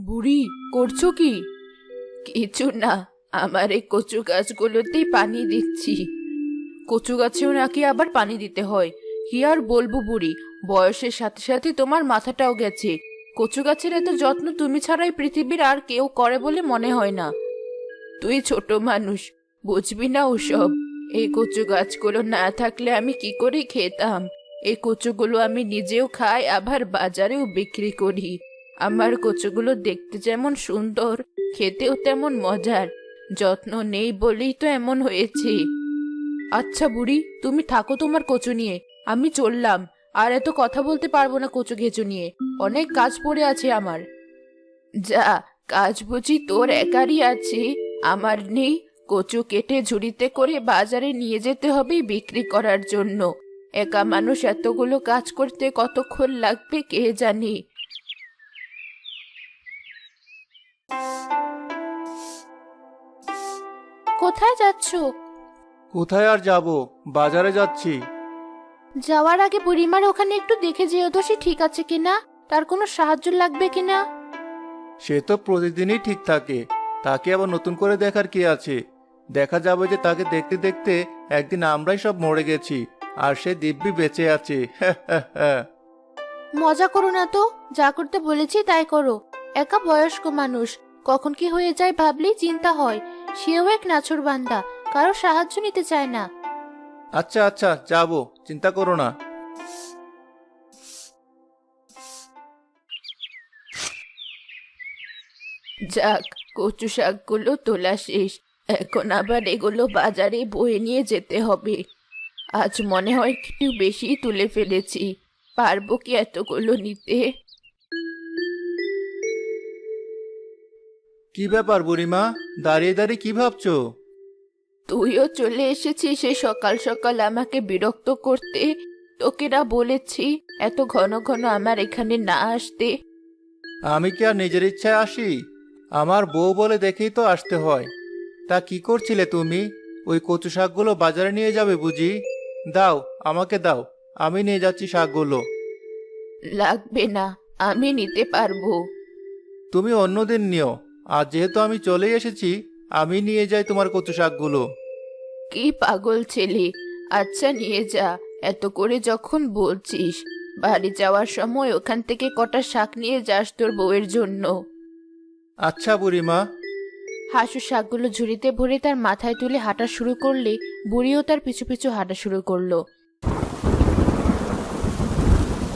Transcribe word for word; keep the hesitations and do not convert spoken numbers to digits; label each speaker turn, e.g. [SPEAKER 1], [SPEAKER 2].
[SPEAKER 1] বুড়ি, করছো কি? কিছু না, আমার এই কচু গাছগুলোতেই পানি দিচ্ছি। কচু গাছেও নাকি আবার পানি দিতে হয়? কি আর বলবো বুড়ি, বয়সের সাথে সাথে তোমার মাথাটাও গেছে। কচু গাছের এত যত্ন তুমি ছাড়াই পৃথিবীর আর কেউ করে বলে মনে হয় না। তুই ছোট মানুষ, বুঝবি না ওসব। এই কচু গাছগুলো না থাকলে আমি কি করে খেতাম? এই কচুগুলো আমি নিজেও খাই, আবার বাজারেও বিক্রি করি। আমার কচুগুলো দেখতে যেমন সুন্দর, খেতেও তেমন মজার। যত্ন নেই বলেই তো এমন হয়েছে। আচ্ছা বুড়ি, তুমি থাকো তোমার কচু নিয়ে, আমি চললাম। আর এত কথা বলতে পারবো না কচু ঘেঁচু নিয়ে, অনেক কাজ পড়ে আছে আমার। যা, কাজ বুঝি তোর একারই আছে, আমার নেই? কচু কেটে ঝুড়িতে করে বাজারে নিয়ে যেতে হবে বিক্রি করার জন্য। একা মানুষ এতগুলো কাজ করতে কতক্ষণ লাগবে কে জানি। কোথায় যাচ্ছো?
[SPEAKER 2] কোথায় আর যাব, বাজারে যাচ্ছি।
[SPEAKER 1] যাওয়ার আগে বুড়িমার ওখানে একটু দেখে যেও তো সে ঠিক আছে কিনা, তার কোনো সাহায্য লাগবে কিনা।
[SPEAKER 2] সে তো প্রতিদিনই ঠিক থাকে, তাকে আবার নতুন করে দেখার কি আছে? দেখা যাবে যে তাকে দেখতে দেখতে একদিন আমরাই সব মরে গেছি, আর সে দিব্যি বেঁচে আছে।
[SPEAKER 1] মজা করো না তো, যা করতে বলেছি তাই করো। একা বয়স্ক মানুষ, কখন কি হয়ে যায় ভাবলেই চিন্তা হয়। সেও এক নাছোড়বান্দা, কারো সাহায্য নিতে চায় না।
[SPEAKER 2] আচ্ছা আচ্ছা, যাব, চিন্তা করো না।
[SPEAKER 1] যাক, কচু শাকগুলো তোলা শেষ। এখন আবার এগুলো বাজারে বয়ে নিয়ে যেতে হবে। আজ মনে হয় একটু বেশি তুলে ফেলেছি। পারবো কি এতগুলো নিতে?
[SPEAKER 2] কি ব্যাপার বুড়িমা, দাঁড়িয়ে দাঁড়িয়ে কি ভাবছো?
[SPEAKER 1] তুইও চলে এসেছিস সে সকাল সকাল আমাকে বিরক্ত করতে। তোকে না বলেছি এত ঘন ঘন আমার এখানে না আসতে?
[SPEAKER 2] আমি কি আর নিজের ইচ্ছায় আসি? আমার বউ বলে দেখেই তো আসতে হয়। তা কি করছিলে তুমি? ওই কচু শাকগুলো বাজারে নিয়ে যাবে বুঝি? দাও, আমাকে দাও, আমি নিয়ে যাচ্ছি শাকগুলো।
[SPEAKER 1] লাগবে না, আমি নিতে পারবো।
[SPEAKER 2] তুমি অন্যদিন নিও, আর যেহেতু আমি চলেই এসেছি, আমি নিয়ে যাই তোমার কচু শাকগুলো।
[SPEAKER 1] কি পাগল ছেলে! আচ্ছা নিয়ে যা, এত করে যখন বলছিস। বাড়ি যাওয়ার সময় ওখান থেকে কটা শাক নিয়ে যাস তোর বউয়ের জন্য।
[SPEAKER 2] আচ্ছা বুড়িমা।
[SPEAKER 1] হাসু শাকগুলো ঝুড়িতে ভরে তার মাথায় তুলে হাঁটা শুরু করলে বুড়িও তার পিছু পিছু হাঁটা শুরু করলো।